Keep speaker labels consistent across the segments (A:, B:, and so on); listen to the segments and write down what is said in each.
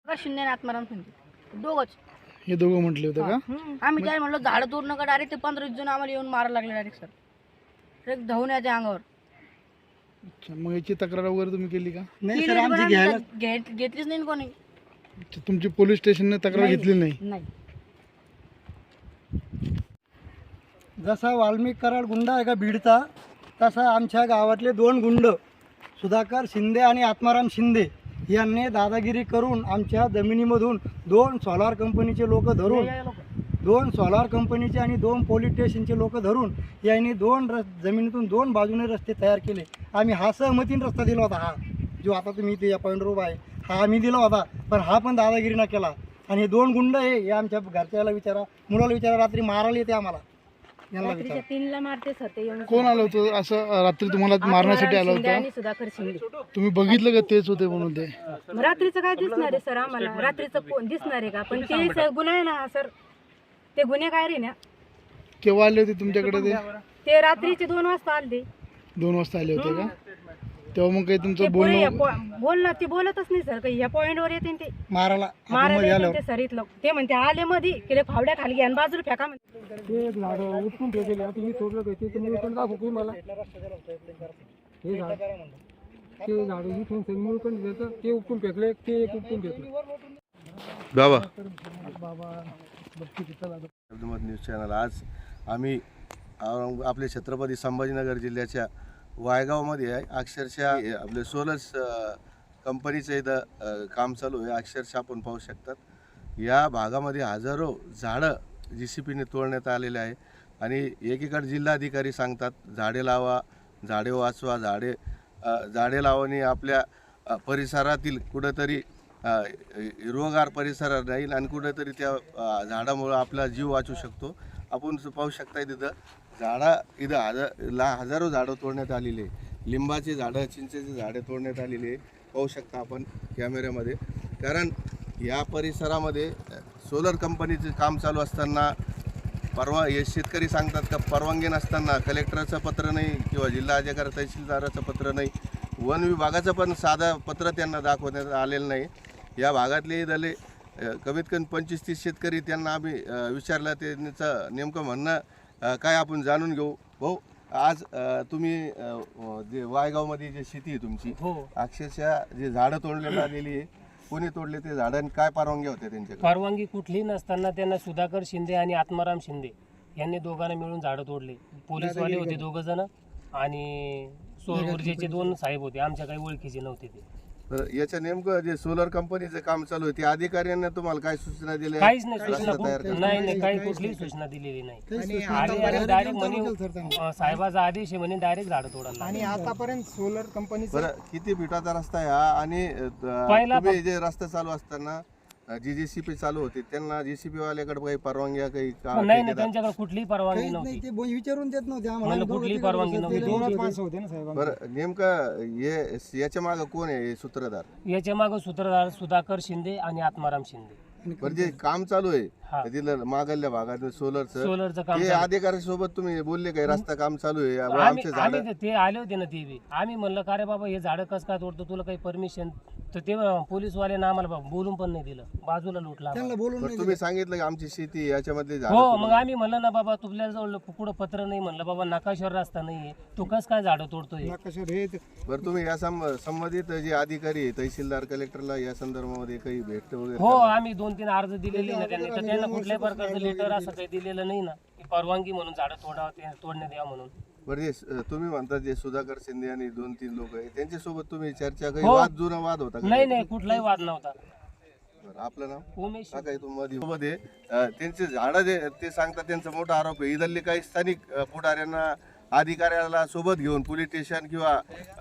A: शिंदे आणि आत्माराम शिंदे दोघंच.
B: हे दोघं म्हटले होते का?
A: आम्ही काय म्हणलो झाडं तोड नका, डायरेक्ट ते 15-20 जण आम्हाला येऊन मारायला लागले डायरेक्ट सर. एक धावण्याच्या अंगावर.
B: अच्छा, मग याची तक्रार वगैरे तुम्ही केली का?
A: नाही सर, आमची घेतलीच नाही कोणी.
B: अच्छा, तुमची पोलीस स्टेशनने तक्रार घेतली नाही?
A: नाही.
C: जसा वाल्मिक कराड गुंड आहे का बीडचा, तसा आमच्या गावातले 2 गुंड सुधाकर शिंदे आणि आत्माराम शिंदे यांनी दादागिरी करून आमच्या जमिनीमधून 2 सोलार कंपनीचे लोक धरून 2 सोलार कंपनीचे आणि 2 पोलीस स्टेशनचे लोक धरून यांनी जमिनीतून 2 बाजूने रस्ते तयार केले. आम्ही हा सहमतीने रस्ता दिला होता, हा जो आता तुम्ही इथे या पॉईंटवर उभा आहे हा आम्ही दिला होता, पण हा पण दादागिरी न केला. आणि हे 2 गुंड हे आमच्या घरच्याला विचारा, मुलाला विचारा, रात्री मारायला येते आम्हाला.
A: रात्रीच्या 3ला मारते सर ते येऊन.
B: कोण आलं होतं असं रात्री तुम्हाला मारण्यासाठी आलं
A: शिंदे आणि
B: होतं?
A: सुधाकर शिंदे.
B: तुम्ही बघितलं का तेच होते म्हणून ते?
A: रात्रीचं काय दिसणार आहे सर आम्हाला? रात्रीचं दिसणार आहे का? पण ते गुन्हा आहे ना सर, ते गुन्हेगार आहे ना.
B: केव्हा आले होते तुमच्याकडे ते?
A: ते रात्रीचे 2 वाजता आले.
B: 2 वाजता आले होते का? तेव्हा मग काही
A: ते
B: तुमचं
A: पुढे
B: बोलणं?
A: बोलणं ते बोलतच नाही सर काही. ह्या पॉईंटवर येते ते
C: मारायला
A: मारायला येते ते सर. इथलं ते म्हणते आले मध्ये केले फावड्या खाली घ्या आणि बाजूला फेका म्हणते.
C: ते झाड उठून ठेवलेले आता मी तोडलं होते ते मी पण दाखवू मला हे झाड ते झाड उठून मूळ पण देतं ते उपटून फेकले ते एक उपटून फेकले.
D: न्यूज चॅनल आज आम्ही आपले छत्रपती संभाजीनगर जिल्ह्याच्या वायगावमध्ये आहे. अक्षरशः आपले सोलर कंपनीचं इथं काम चालू आहे. अक्षरशः आपण पाहू शकतात या भागामध्ये हजारो झाडं JCPने तोडण्यात आलेले आहे. आणि एकीकडे जिल्हाधिकारी सांगतात झाडे लावा, झाडे वाचवा, झाडे लावणे आपल्या परिसरातील कुठंतरी हिरवगार परिसर राहील आणि कुठेतरी त्या झाडामुळं आपला जीव वाचू शकतो. आपण पाहू शकता इथं हजारो झाडं तोडण्यात आलेली आहे. लिंबाचे झाडं, चिंचेचे झाडं तोडण्यात आलेली आहे. पाहू शकता आपण कॅमेऱ्यामध्ये. कारण या परिसरामध्ये सोलर कंपनीचं काम चालू असताना हे शेतकरी सांगतात का परवानगी नसताना कलेक्टरचं पत्र नाही किंवा जिल्हा अधिकारी तहसीलदाराचं पत्र नाही, वन विभागाचं पण साधं पत्र त्यांना दाखवण्यात आलेलं नाही. या भागातले झाले कमीत कमी 25-30 शेतकरी, त्यांना आम्ही विचारलं त्यांचं नेमकं म्हणणं काय आपण जाणून घेऊ. भाऊ, आज तुम्ही जे वायगावमध्ये जे शेती आहे तुमची, अक्षरशः जे झाडं तोडण्यात आलेली आहे, कोणी तोडले ते झाडं आणि काय परवानगी होते त्यांच्याकडे?
E: परवानगी कुठलीही नसताना त्यांना सुधाकर शिंदे आणि आत्माराम शिंदे यांनी दोघांना मिळून झाडं तोडले. पोलीसवाले होते 2 जण आणि सौर ऊर्जेचे 2 साहेब होते, आमच्या काही ओळखीचे नव्हते ते.
D: तर याचं नेमकं जे सोलर कंपनीचं काम चालू आहे ते अधिकाऱ्यांना तुम्हाला काय सूचना दिल्या?
E: काहीच नाही सूचना, नाही काही कुठलीही सूचना दिलेली नाही. आणि डायरेक्ट म्हणे साहेबाचा आदेश आहे म्हणे डायरेक्ट झाडं तोडायला.
C: आणि आतापर्यंत सोलर कंपनीचं
D: बरं, किती फुटाचा रस्ता आहे हा? आणि तुम्ही जे रस्ता चालू असताना जी JCP चालू होती त्यांना JCP वाल्याकडे काही परवानगी काही
E: नाही, त्यांच्याकडे कुठलीही परवानगी नव्हती.
C: ते विचारून देत नव्हते आम्हाला.
E: कुठलीही परवानगी नव्हती.
C: माणसं होते ना साहेब.
D: बरं, नेमकं याच्या मागं कोण आहे सूत्रधार?
E: याच्या मागे सूत्रधार सुधाकर शिंदे आणि आत्माराम शिंदे.
D: बरं, जे काम चालू आहे तिथलं मागल्या भागात
E: सोलरचं काम
D: ते अधिकारी सोबत तुम्ही बोलले काय रस्ता काम चालू आहे
E: आम्ही ते आले होते ना ते बी. आम्ही म्हणलं का रे बाबा हे झाडं कसं काय तोडतो, तुला काही परमिशन? तर ते पोलीसवाल्यानं आम्हाला बोलून पण नाही दिलं, बाजूला लुटला.
D: तुम्ही सांगितलं की आमची शेती याच्यामध्ये
E: हो, मग आम्ही म्हणलं ना बाबा तुझ्याजवळ कुठं पत्र नाही, म्हणलं बाबा नकाशावर रस्ता नाहीये, तू कसं काय झाडं तोडतोय?
D: बरं, तुम्ही या संबंधित जे अधिकारी आहे तहसीलदार कलेक्टरला या संदर्भामध्ये काही भेट वगैरे?
E: हो, आम्ही 2-3 अर्ज दिलेले ना त्यांनी, तर त्यांना कुठल्याही प्रकारचं लेटर असं काही दिलेलं नाही ना की परवानगी म्हणून झाडं तोडण्यात यावं म्हणून.
D: बरं, तुम्ही म्हणता जे सुधाकर शिंदे आणि 2-3 लोक आहे त्यांच्यासोबत तुम्ही चर्चा काही
E: हो.
D: जुना वाद होता?
E: नाही, कुठलाही वाद नव्हता.
D: आपलं नाव?
E: उमेश.
D: काय मध्ये त्यांचे झाडं जे ते सांगतात त्यांचा मोठा आरोप आहे. इथले काही स्थानिक पुढाऱ्यांना अधिकाऱ्याला सोबत घेऊन पोलीस स्टेशन किंवा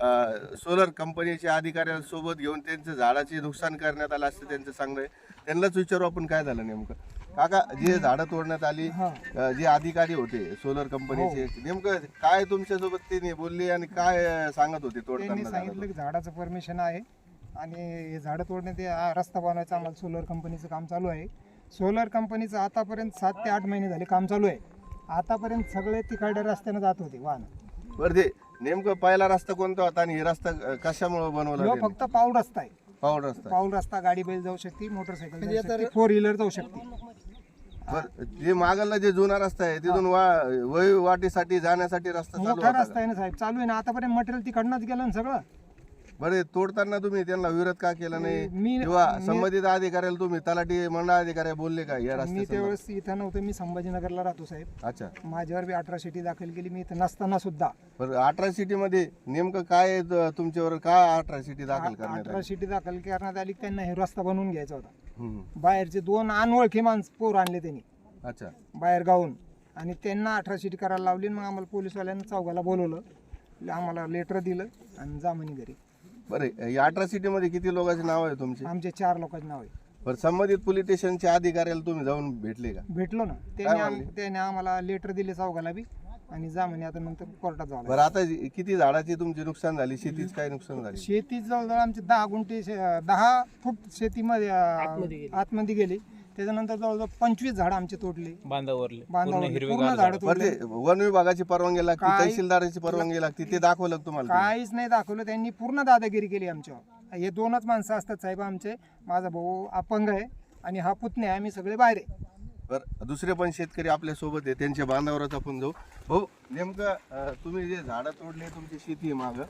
D: सोलर कंपनीच्या अधिकाऱ्याला सोबत घेऊन त्यांचं झाडाचे नुकसान करण्यात आलं असं त्यांचं सांगणं आहे. त्यांनाच विचारू आपण काय झालं नेमकं. काका, जे झाडं तोडण्यात आली, जे अधिकारी होते सोलर कंपनीचे, नेमकं काय तुमच्यासोबत ते बोलले आणि काय सांगत होते तोडताना?
C: सांगितलं की झाडाचं परमिशन आहे आणि हे झाडं तोडण्यात रस्ता बनवायचा आम्हाला सोलर कंपनीचं काम चालू आहे. सोलर कंपनीचं आतापर्यंत 7 ते 8 महिने झाले काम चालू आहे. आतापर्यंत सगळे तिकडे रस्त्याने जात होते वाहन.
D: बरं, ते नेमकं पहिला रस्ता कोणता होता आणि हे रस्ता कशामुळे बनवला?
C: फक्त पाऊल रस्ता आहे.
D: पाऊल रस्ता आहे.
F: पाऊल रस्ता, गाडी बैल जाऊ शकते, मोटरसायकल
C: म्हणजे
F: जाऊ
C: आता
F: शकते, 4 व्हीलर जाऊ शकते.
D: बरं, जे मागला जे जुना रस्ता आहे तिथून वाटीसाठी जाण्यासाठी रस्ता चालू
F: मोठा
D: होता
F: रस्ता
D: का?
F: आहे ना साहेब, चालू आहे ना आतापर्यंत. मटेरियल तिकडनंच गेलं ना सगळं.
D: बरे तोडताना तुम्ही त्यांना विरोध का केला नाही
F: मी-
D: किंवा संबंधित अधिकाऱ्याला तुम्ही तलाठी मंडळाधिकारी बोलले का या
F: मी
D: रस्त्यात?
F: त्यावेळेस इथं नव्हतं, मी संभाजीनगरला राहतो साहेब.
D: अच्छा,
F: माझ्यावर बी 18 शिटी दाखल केली मी इथं नसताना सुद्धा.
D: बरं 18 सिटी मध्ये नेमकं काय आहे तुमच्यावर काय 18 सिटी दाखल करण्यात
F: 18
D: आली?
F: शिटी दाखल करण्यात आली. त्यांना हे रस्ता बनवून घ्यायचा होता.
D: हम्म.
F: बाहेरचे 2 अनोळखी माणसं पोर आणले त्यांनी
D: अच्छा,
F: बाहेर गावून, आणि त्यांना 18 शिटी करायला लावली. मग आम्हाला पोलीसवाल्यांना चौघाला बोलवलं, आम्हाला लेटर दिलं आणि जा म्हणे घरी.
D: बरं या 18 सिटी मध्ये किती लोकांचे नाव आहे तुमचे?
F: आमचे 4 लोकांचे नाव आहे.
D: बरं संबंधित पोलीस स्टेशनच्या अधिकाऱ्याला तुम्ही जाऊन भेटले का?
F: भेटलो ना,
D: म्हणले?
F: त्याने आम्हाला लेटर दिले चौघाला बी, आणि जा म्हणे आता नंतर कोर्टात जावं लागेल.
D: बरं आता किती झाडाची तुमची नुकसान झाली, शेतीच काय नुकसान झाली?
F: शेती जवळजवळ आमचे 10 गुंठे 10 फूट शेतीमध्ये आतमध्ये गेली. त्याच्यानंतर जवळजवळ 25 झाडं आमचे तोडले,
G: बांधावरले
F: पूर्ण झाडं
D: बरं
F: तोडले.
D: ते वन विभागाची परवानगी लागते,
F: काय-
D: तहसीलदाराची परवानगी लागते, ते दाखवलं का तुम्हाला?
F: काहीच नाही दाखवलं त्यांनी, पूर्ण दादागिरी केली आमच्यावर. हे 2च माणसं असतात साहेब आमचे. माझा भाऊ अपंग आहे आणि हा पुतणे आहे, आम्ही सगळे बाहेर आहे.
D: बरं दुसरे पण शेतकरी आपल्या सोबत आहे, त्यांच्या बांधावरच आपण जाऊ. हो नेमकं तुम्ही जे झाडं तोडले तुमची शेती माग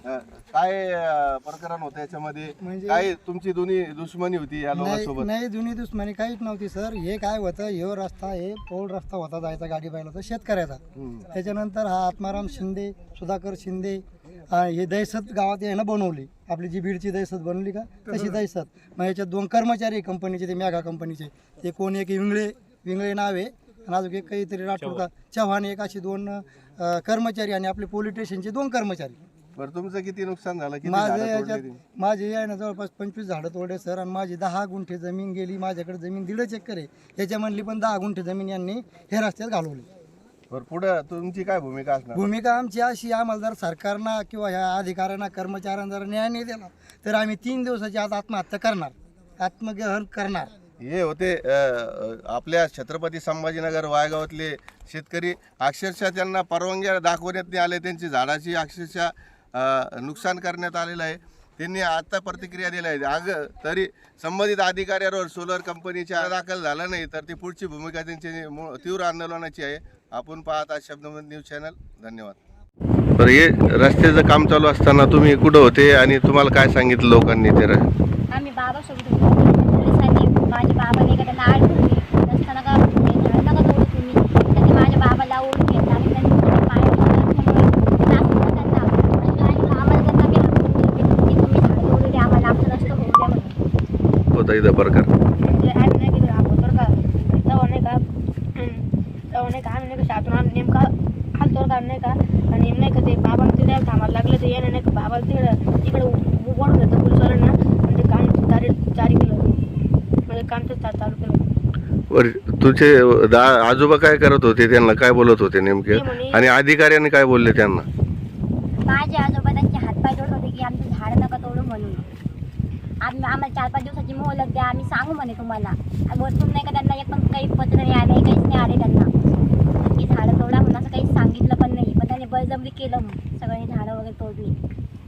D: काय प्रकरण होतं याच्यामध्ये?
C: म्हणजे-
D: काय तुमची दोन्ही दुश्मनी होती या लोकांसोबत?
C: नाही जुनी दुश्मनी काहीच नव्हती सर. हे काय होतं, हे रस्ता हे पौल रस्ता होता जायचा गाडी बैल होता शेतकऱ्याचा.
D: हम्म.
C: त्याच्यानंतर हा आत्माराम शिंदे, सुधाकर शिंदे हे दहशत गावात आहे ना बनवली. आपली जी बीडची दहशत बनवली का तशी दहशत. मग याच्यात 2 कर्मचारी कंपनीचे, ते मेगा कंपनीचे. ते कोण एक विंगळे नाव आहे आणि अजून एक काहीतरी राठोड का चव्हाण, एक अशी 2 कर्मचारी आणि आपले पोलीस स्टेशनचे 2 कर्मचारी.
D: बरं तुमचं किती नुकसान झालं? किती
C: माझे
D: झाडं तोडली
C: याच्यात
D: तुम्ही?
C: माझे आहे ना जवळपास 25 झाडं तोडले सर, आणि माझी 10 गुंठे जमीन गेली. माझ्याकडे जमीन 1.5 एकर आहे, याच्यामधली पण 10 गुंठे जमीन यांनी हे रस्त्यात घालवली.
D: बरं पुढं तुमची काय भूमिका असणार?
C: भूमिका आमची अशी, आम्हाला जर सरकारनं किंवा ह्या अधिकाऱ्यांना कर्मचाऱ्यांना जर न्याय नाही दिला तर आम्ही 3 दिवसाची आज आत्महत्या करणार, आत्मग्रहण करणार.
D: हे होते आपल्या छत्रपती संभाजीनगर वायगावातले शेतकरी. अक्षरशः त्यांना परवानग्या दाखवण्यात नाही आले, त्यांची झाडाची अक्षरशः नुकसान करण्यात आलेलं आहे. त्यांनी आता प्रतिक्रिया दिल्या आहे. तरी संबंधित अधिकाऱ्यावर सोलर कंपनीच्या दाखल झाला नाही तर ती पुढची भूमिका त्यांची तीव्र आंदोलनाची आहे. आपण पाहत आहात शब्दमंत न्यूज चॅनल. धन्यवाद. बरं हे रस्त्याचं काम चालू असताना तुम्ही कुठं होते आणि तुम्हाला काय सांगितलं लोकांनी? ते
H: आम्ही बाबासोबत होतो. पोलिसांनी माझ्या बाबाने त्यांना अडकून नसताना का झाड नका तोडू तुम्ही. त्यांनी माझ्या बाबाला ओळख घेतला आणि त्यांनी पाय त्यांना आम्हाला त्यांना मी तुम्ही झाड तोडले, आम्हाला आमचं नसतं होऊ द्या म्हणून.
D: होता इथं प्रकार?
A: म्हणजे आम्ही नाही गेलो अगोदर का तेव्हा नाही का आम्ही नाही का शातून नेमका हालतोर का नाही का, आणि नाही का ते बाबा तिथे थांबायला लागले ते येणं नाही का बाबाला तिकडे ओढून घेतं पोलिसवाल्यांना, म्हणजे काम जारी केलं, म्हणजे काम ते चालू केलं.
D: बरं तुझे आजोबा काय करत होते, त्यांना काय बोलत होते नेमके, आणि अधिकाऱ्यांनी काय बोलले त्यांना?
H: माझे आजोबा त्यांचे हातपाय जोडत होते की आमचं झाड नका तोडू म्हणून. आम्हाला 4-5 दिवसाची मोहलत द्या, आम्ही सांगू म्हणे तुम्हाला. आणि वरतून नाही का त्यांना एक पण काही पत्र नाही आले, काहीच नाही आले त्यांना की झाडं तोडा म्हणून, असं काही सांगितलं पण नाही. पण त्यांनी बळजबरी केलं, मग सगळी झाडं वगैरे तोडली.